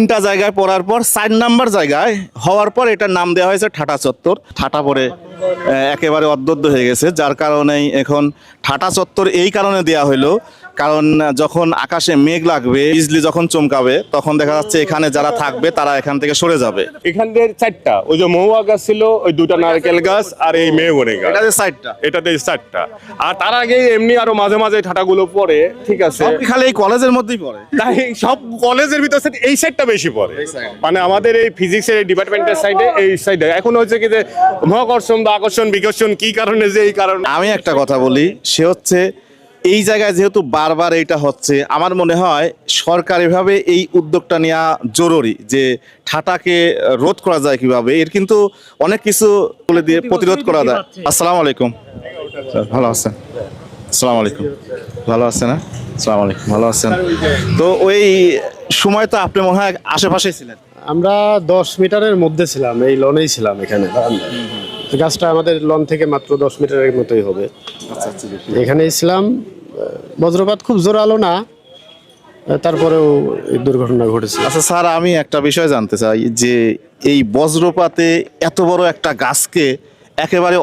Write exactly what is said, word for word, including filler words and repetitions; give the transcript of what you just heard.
তিনটা জায়গায় পড়ার পর চার নাম্বার জায়গায় হওয়ার পর এটার নাম দেওয়া হয়েছে ঠাটা চত্বর। ঠাটা পরে আহ, একেবারে অদ্যদ্য হয়ে গেছে, যার কারণেই এখন ঠাটা চত্বর এই কারণে দেওয়া হলো, কারণ যখন আকাশে মেঘ লাগবে, বিজলি যখন চমকাবে, তখন দেখা যাচ্ছে এখানে যারা থাকবে তারা এখান থেকে সরে যাবে। এখান থেকে চারটা, ওই যে মহুয়া গাছ ছিল, ওই দুটা নারকেল গাছ আর এই মেহগনি গাছ, এটা যে সাইডটা, এটাতে চারটা। আর তার আগে এমনি আরো মাঝে মাঝে ঠাটাগুলো পড়ে, ঠিক আছে। সব কি খালি এই কলেজের মধ্যেই পড়ে? তাই সব কলেজের ভিতর থেকে এই সাইডটা বেশি পড়ে, মানে আমাদের এই ফিজিক্সের ডিপার্টমেন্টের সাইডে, এই সাইডে এখন হচ্ছে কি যে মহাকর্ষণ বা আকর্ষণ বিকর্ষণ কি কারণে, যে এই কারণে। আমি একটা কথা বলি, সে হচ্ছে এই জায়গায় যেহেতু বারবার এইটা হচ্ছে, আমার মনে হয় সরকারিভাবে এই উদ্যোগটা নেওয়া জরুরি, যে ঠাটাকে রোধ করা যায় কিভাবে। এর কিন্তু অনেক কিছু বলে দিয়ে প্রতিরোধ করা যায়। আসসালামু আলাইকুম স্যার, ভালো আছেন? আসসালামু আলাইকুম, ভালো আছেন? না, আসসালামু আলাইকুম, ভালো আছেন? তো ওই সময় তো আপনি মনে হয় আশেপাশেই ছিলেন। আমরা দশ মিটারের মধ্যে ছিলাম, এই লনেই ছিলাম এখানে। গাছটা আমাদের লন থেকে মাত্র দশ মিটারের মতোই হবে, এখানেই ছিলাম। বজ্রপাত খুব জোরালো না, তারপরেও এই দুর্ঘটনা ঘটেছে। আচ্ছা স্যার, আমি একটা বিষয় জানতে চাই, যে এই বজ্রপাতে এত বড় একটা গাছকে একেবারে